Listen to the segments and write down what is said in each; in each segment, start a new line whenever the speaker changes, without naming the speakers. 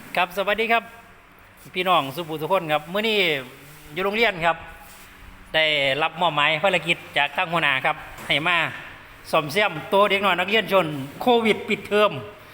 ครับสวัสดีครับพี่น้องสุภูทุกคนครับเมื่อนี้อยู่โรงเรียนครับได้รับมอบหมายภารกิจจากทางหัวหน้าครับให้มาซ่อมแซมตัวเด็กน้อยนักเรียนชนโควิดปิดเทอม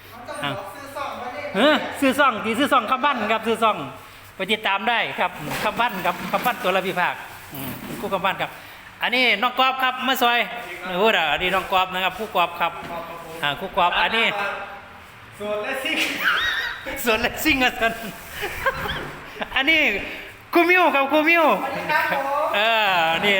ซื้อซ่องที่ซื้อซ่องคำบ้านครับซื้อซ่องไปติดตามได้ครับคำบ้านครับคำบ้านตัวละพิภาคคู่คำบ้านครับอันนี้น้องกอบครับมาซอยโอ้ด่าอันนี้น้องกอบนะครับผู้กอบครับคู่กอบอันนี้
ส่วนและซิก
ส่วนและซิงกันอันนี้กูมิวครับกูมิวนี่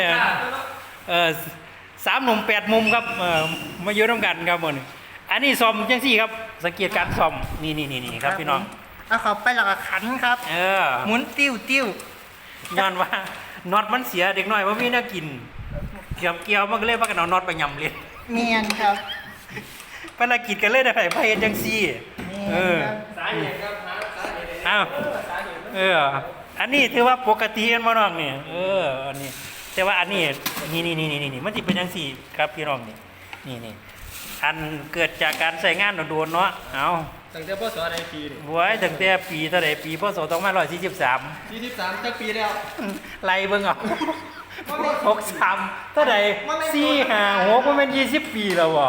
3 หนุ่ม 8 มุมครับมาอยู่ร่วมกันครับหมดอันนี้ซ่อมจังซี่ครับสังเกตการซ่อมนี่ครับพี่น้อง
เอาเขาไปหลักขันครับหมุนติ้ว
ย้อนว่าน็อตมันเสียเด็กน้อยว่ามีน่ากินเกี่ยวมันก็เลยว่ากันเอาน็อตไปยำเลย
เนียนครับ
ภารกิจกันเลยได้ไปเฮ็ดจังซี่
สาเหตุครับ
อ้าวอันนี้ถือว่าปกติกันบ่น้องนี่อันนี้แต่ว่าอันนี้นี่มันสิเป็นจังซี่ครับพี่น้องนี่อันเกิดจากการใช้งานโดนๆเนาะเอา
ตั้งแต่พศใดปีนี่
บวยตั้งแต่ปีเท่าใดปีพศ2543
จักปีแล้ว
ไล่เบิ่งเอา63เท่าใด4 5 6บ่แม่น20ปีแล้วบ่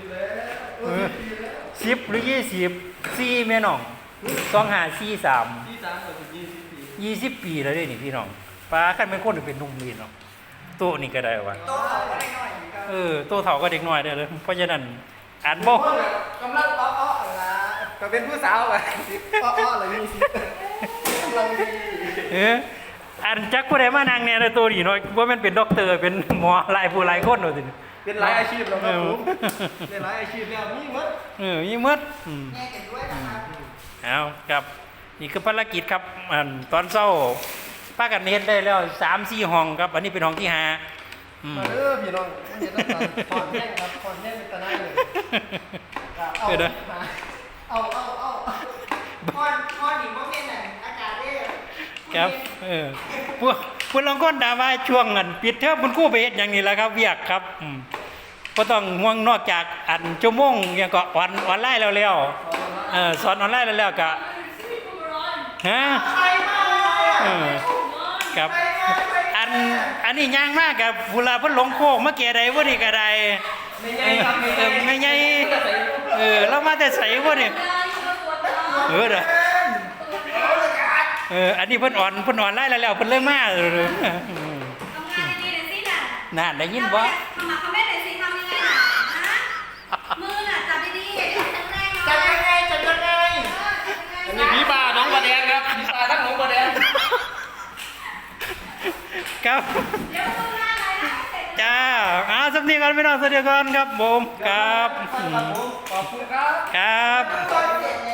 10หรือ20 4แม่น้อง2543 20 ปีแล้วเด้นี่พี่น้องป้าคันเป็นคนเป็นหนุ่มนี่เนาะโตนี่ก็ได้ว่ะ
โตเฒ่าก็เด็กน้อย
โตเฒ่าก็เด็กน้อยได้เลยเพราะฉะนั้นอ่านบ่
กำลังอ้อๆล่ะก็เป็นผู้สาวอ่ะอ้อๆเลยนี่สิกำลังดี
อันจักผู้ใดมานั่งเนี่ยตัวนี้เนาะบ่แม่นเป็นด็อกเตอร์เป็นหมอหลายผู้หลายคนเนาะสิ
เป็นหลายอาชีพแล้วครับผมเป็นหลายอาชีพแล้วมีหมด
มีหมด
แม่เก่งด้วยนะครับ
เอาครับนี่คือภารกิจครับตอนเช้าป้ากันเฮ็ดได้แล้ว 3-4 ห้องครับอันนี้เป็นห้องที่5
มาพี่น้องเฮ็ดต้องถอนแท่งครับถอนแท่งเป็นตะไนเลยเอาพอนี่บ่แม่นอากาศเด้
ครับพวกลองก้นด่าว่าช่วงนั้นปิดเทอมคุณครูไปเฮ็ดอย่างนี้แหละครับเวียกครับก็ต้องห่วงนอกจากอันชั่วโมงอย่างก็ออนไลน์แล้วสอนออนไลน์แล้วก็ฮะครับอันนี้ย่างมากกับผู้ลาเพิ่นหลงโค้งมาแก่ใดบ่นี่ก็ได้ไม่ใหญ่เรามาแต่ไสบ่นี่อันนี้เพิ่นอ่อนไล่แล้วเพิ่นเริ่มมา
ทำงานดีเลยสิ
น่ะได้ยินบ่
เขาไม่ได้สิทำยังไงมือน่ะจับดีๆ
จับยังไงอันนี้ผีป่าน้องบัวแดงครับผีป่าทั้งน้องบัวแดง
ครับจ้าสำเนียงกันพี่น้องสวัสดีครับผมครับ
ขอบคุณครับ
ครับ